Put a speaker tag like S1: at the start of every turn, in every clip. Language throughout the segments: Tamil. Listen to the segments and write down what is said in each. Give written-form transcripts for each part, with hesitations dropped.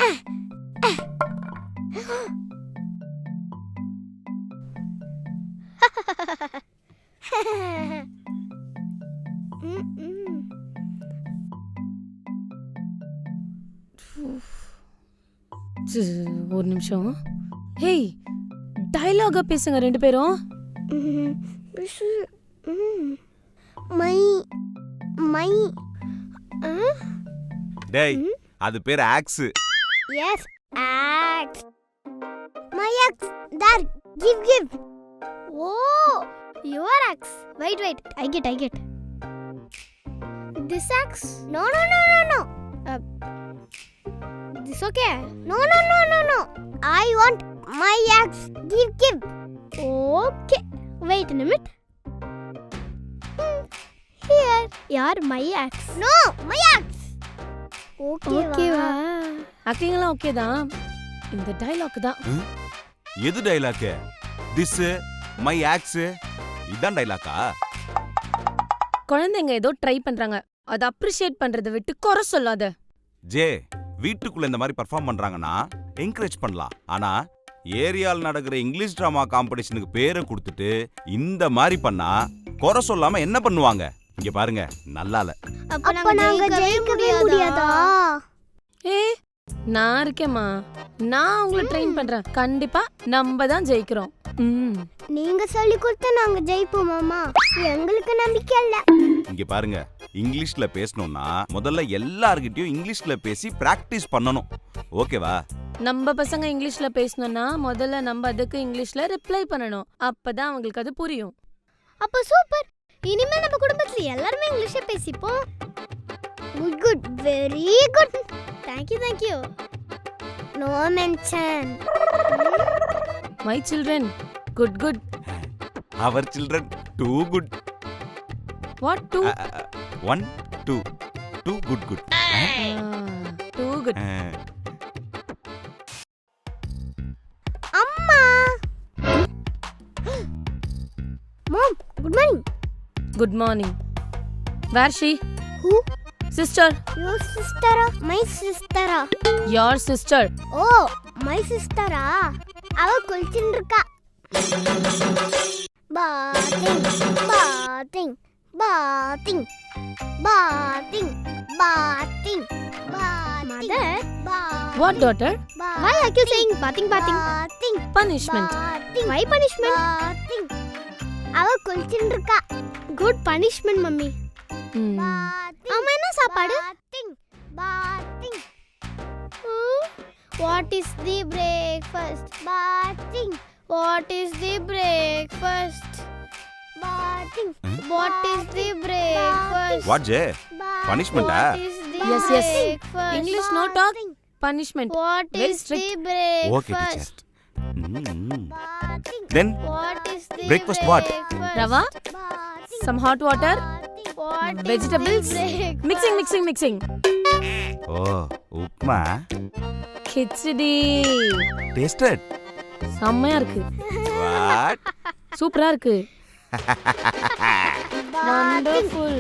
S1: ஒரு நிமிஷம். ஹேய், டயலாகா பேசுங்க ரெண்டு பேரும்.
S2: மை மை
S3: டேய், அது பேர் ox.
S2: Yes ox. My ox. தர் give. Oh, your ox. Wait. I get. This axe? No. This okay? No. I want my axe. Give. Okay. Wait a minute. Here. Yaar, my axe. No, my axe. Okay வா.
S1: ஆக்டிங்லாம் ஓகே தான். இந்த டயலாக் தான்.
S3: எது டயலாக்? திஸ் மை ஆக்ஸ் இதான் டயலாக்கா?
S1: குழந்தைங்க ஏதோ ட்ரை பண்றாங்க, அதை அப்ரிஷியேட் பண்றதை விட்டு குறை சொல்லாத.
S3: ஜே, வீட்டுக்குள்ள இந்த மாதிரி பெர்ஃபார்ம் பண்றாங்கன்னா என்கரேஜ் பண்ணலாம். ஆனா ஏரியால நடக்கிற இங்கிலீஷ் டிராமா காம்படிஷனுக்கு பேரை கொடுத்துட்டு இந்த மாதிரி பண்ணா குறை சொல்லாம என்ன பண்ணுவாங்க? இங்க பாருங்க, நல்லால.
S2: அப்ப நாங்க ஜெயிக்கவே முடியாதா?
S1: ஏய், நான் இருக்கேம்மா. நான் உங்களை ட்ரெயின் பண்றேன். கண்டிப்பா நம்ம தான் ஜெயிக்கிறோம்.
S2: நீங்க சொல்லி கொடுத்தா நாங்க ஜெயிப்போம் மாமா. எங்களுக்கு நம்பிக்கை இல்ல.
S3: இங்க பாருங்க, இங்கிலீஷ்ல பேசணும்னா முதல்ல எல்லார்கிட்டயும் இங்கிலீஷ்ல பேசி பிராக்டிஸ் பண்ணணும். ஓகேவா?
S1: நம்ம பசங்க இங்கிலீஷ்ல பேசணும்னா முதல்ல நம்ம அதுக்கு இங்கிலீஷ்ல ரிப்ளை பண்ணணும். அப்பதான் அவங்களுக்கு அது புரியும்.
S2: அப்ப சூப்பர். இனிமே நம்ம குடும்பத்துல எல்லாரும் இங்கிலீஷ்ல பேசிப்போம். Good, very good. Thank you. No mention.
S1: My children, good.
S3: Our children, too good.
S1: What two?
S3: 1, 2. Too good.
S1: Too good.
S2: Amma. Mom, good morning.
S1: Good morning. Where she?
S2: Who?
S1: Sister.
S2: Your sister? My sister.
S1: Your sister.
S2: Oh, my sister. அவ குளிச்சிட்டு இருக்கா. Bathing. Mother.
S1: What daughter?
S2: Why are you saying bathing?
S1: Punishment.
S2: Why punishment? அவ குளிச்சிட்டு இருக்கா. Good punishment, mummy. அம்மா என்ன சாப்பாடு? Bathing. What is the breakfast? Bathing. What is the breakfast? Bathing. What is the breakfast?
S3: What Jay? Punishment ah?
S1: Yes. English no talk. Punishment.
S2: What
S1: Very
S2: is
S1: strict.
S2: the breakfast?
S3: Okay, teacher. Then
S2: What is the
S3: breakfast what?
S1: Rava, some hot water,
S2: What
S1: vegetables,
S2: is the breakfast?
S1: mixing.
S3: Oh, upma.
S1: Khichdi.
S3: Tasted?
S1: செம்மையா இருக்கு.
S3: What?
S1: சூப்பரா இருக்கு. Wonderful.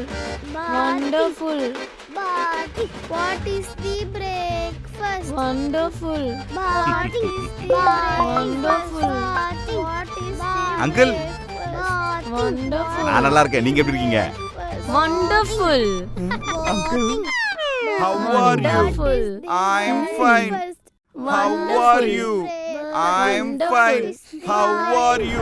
S2: Bathing. What is the breakfast?
S1: Wonderful.
S2: Bathing.
S1: Wonderful.
S2: What is the
S3: Uncle.
S2: breakfast?
S1: Wonderful.
S3: நான் நல்லா இருக்கேன். நீங்க எப்படி இருக்கீங்க?
S1: Wonderful.
S3: Uncle. How are you?
S1: Wonderful.
S3: I'm fine. How are you? I'm fine. How are you?